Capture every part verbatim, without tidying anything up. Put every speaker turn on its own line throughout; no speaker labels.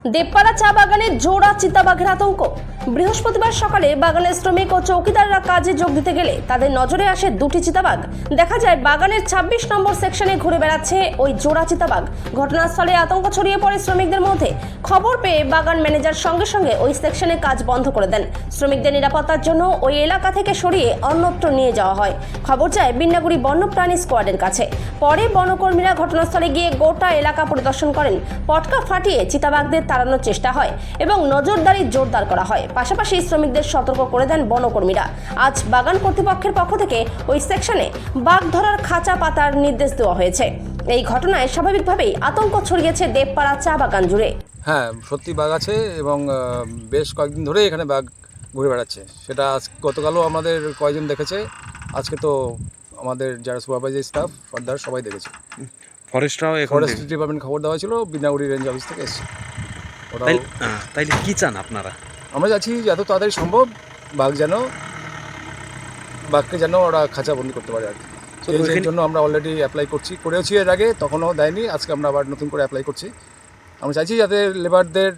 দেবপাড়া চা বাগানে জোড়া চিতাবাঘের আতঙ্ক। বৃহস্পতিবার সকালে বাগানের শ্রমিক ও চৌকিদাররা কাজে যোগ দিতে গেলে তাদের নজরে আসে দুটি চিতাবাঘ। দেখা যায় বাগানের ছাব্বিশ নম্বর সেকশনে ঘুরে বেড়াচ্ছে ওই জোড়া চিতাবাঘ। ঘটনাস্থলে আতঙ্ক ছড়িয়ে পড়ে শ্রমিকদের মধ্যে। খবর পেয়ে বাগান ম্যানেজার সঙ্গে সঙ্গে ওই সেকশনে কাজ বন্ধ করে দেন। শ্রমিকদের নিরাপত্তার জন্য ওই এলাকা থেকে সরিয়ে অন্যত্র নিয়ে যাওয়া হয়। খবর যায় বিন্নাগুড়ি বন্যপ্রাণী স্কোয়াডের কাছে। পরে বনকর্মীরা ঘটনাস্থলে গিয়ে গোটা এলাকা পরিদর্শন করেন। পটকা ফাটিয়ে চিতাবাঘদের তাড়ানোর চেষ্টা হয় এবং নজরদারি জোরদার করা হয়। পাশাপাশি শ্রমিকদের সতর্ক করে দেন বনকর্মীরা। আজ বাগান কর্তৃপক্ষের পক্ষ থেকে ওই সেকশনে বাঘ ধরার খাঁচা পাতার নির্দেশ দেওয়া হয়েছে। এই ঘটনায় স্বাভাবিকভাবেই আতঙ্ক ছড়িয়েছে দেবপাড়া চা বাগান জুড়ে।
হ্যাঁ, সত্যি বাঘ আছে এবং বেশ কয়েকদিন ধরে এখানে বাঘ ঘুরে বেড়াচ্ছে। সেটা আজ গতকালও আমাদের কয়েকজন দেখেছে, আজকে তো আমাদের যারা সুপারভাইজার স্টাফ ফার্দার সবাই দেখেছে।
ফরেস্টরাও এখন
ফরেস্ট ডিপার্টমেন্ট খবর দেওয়া ছিল, বিনাগুড়ি রেঞ্জ অফিস থেকে এসেছে। ওটাও
তাই- আহ, তাইলে কি চান আপনারা?
আমরা চাচ্ছি যত তাড়াতাড়ি সম্ভব বাঘ যেন বাঘকে যেন ওরা খাঁচাবন্দি করতে পারে আর কি।
তো
এই
ওইখানে-
জন্য আমরা অলরেডি অ্যাপ্লাই করছি, করেওছি এর আগে, তখনও দেয়নি। আজকে আমরা আবার নতুন করে অ্যাপ্লাই করছি। আমরা চাইছি যাতে লেবারদের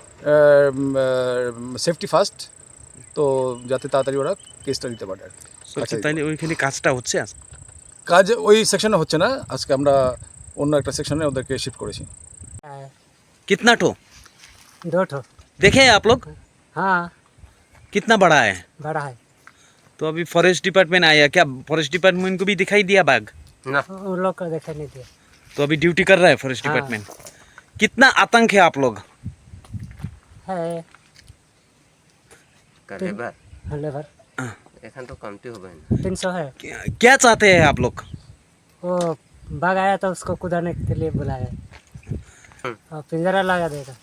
সেফটি ফার্স্ট, তো যাতে তাড়াতাড়ি ওরা কেসটা দিতে পারে আর কি।
আচ্ছা, তাইলে ওইখানে কাজটা হচ্ছে আজ?
কাজ ওই সেকশনে হচ্ছে না, আজকে আমরা অন্য একটা সেকশনে ওদেরকে শিফট করেছি।
कितना ठो
दो ठो।
देखे हैं आप लोग?
हाँ,
कितना बड़ा है?
बड़ा है।
तो अभी फॉरेस्ट डिपार्टमेंट आया क्या? फॉरेस्ट डिपार्टमेंट को भी दिखाई दिया बाघ?
उन लोग को देखा नहीं दिया।
तो अभी ड्यूटी कर रहा है फॉरेस्ट
हाँ।
डिपार्टमेंट। कितना आतंक है आप लोग?
है
লেবার
लेबर
এখান তো কমতি হবে না।
तीन सौ है।
क्या क्या चाहते हैं आप लोग?
वो बाघ आया तो उसको कुदाने के लिए बुलाया और पिंजरा लगा देगा।